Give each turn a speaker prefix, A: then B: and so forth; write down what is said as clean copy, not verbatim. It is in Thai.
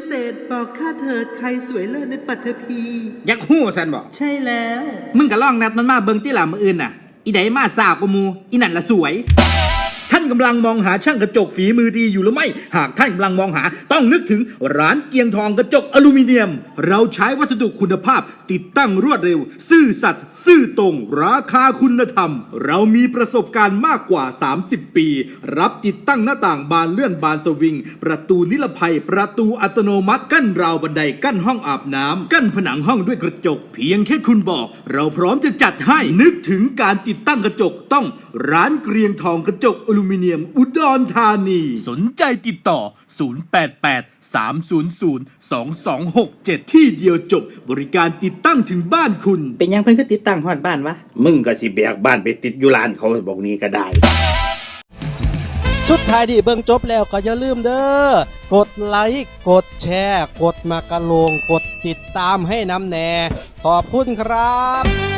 A: เศษบอกข้าเถิดใครสวยเลิศในปัทภี
B: อยากฮู้สันบอก
A: ใช่แล้ว
B: มึงก็ลองนัดมันมาเบิ่งที่หล่ะมื้ออื่นน่ะอีใดมาสาวกว่าหมู่อีนั่นละสวยท่านกำลังมองหาช่างกระจกฝีมือดีอยู่หรือไม่หากท่านกำลังมองหาต้องนึกถึงร้านเกียงทองกระจกอลูมิเนียมเราใช้วัสดุคุณภาพติดตั้งรวดเร็วซื่อสัตย์ซื่อตรงราคาคุณธรรมเรามีประสบการณ์มากกว่า30 ปีรับติดตั้งหน้าต่างบานเลื่อนบานสวิงประตูนิรภัยประตูอัตโนมัติกั้นราวบันไดกั้นห้องอาบน้ำกั้นผนังห้องด้วยกระจกเพียงแค่คุณบอกเราพร้อมจะจัดให้นึกถึงการติดตั้งกระจกต้องร้านเกรียงทองกระจกอลูมิเนียมอุดรธานีสนใจติดต่อ088 300 2267ที่เดียวจบบริการติดตั้งถึงบ้านคุณ
A: เป็นยังเพิ่นก็ติดตั้งฮอดบ้านวะ
B: มึงก็สิแบกบ้านไปติดอยู่ร้านเขาบอกนี้ก็ได้
C: สุดท้ายที่เบิ่งจบแล้วก็อย่าลืมเด้อกดไลค์กดแชร์กดมากระโลงกดติดตามให้น้ำแน่ขอบคุณครับ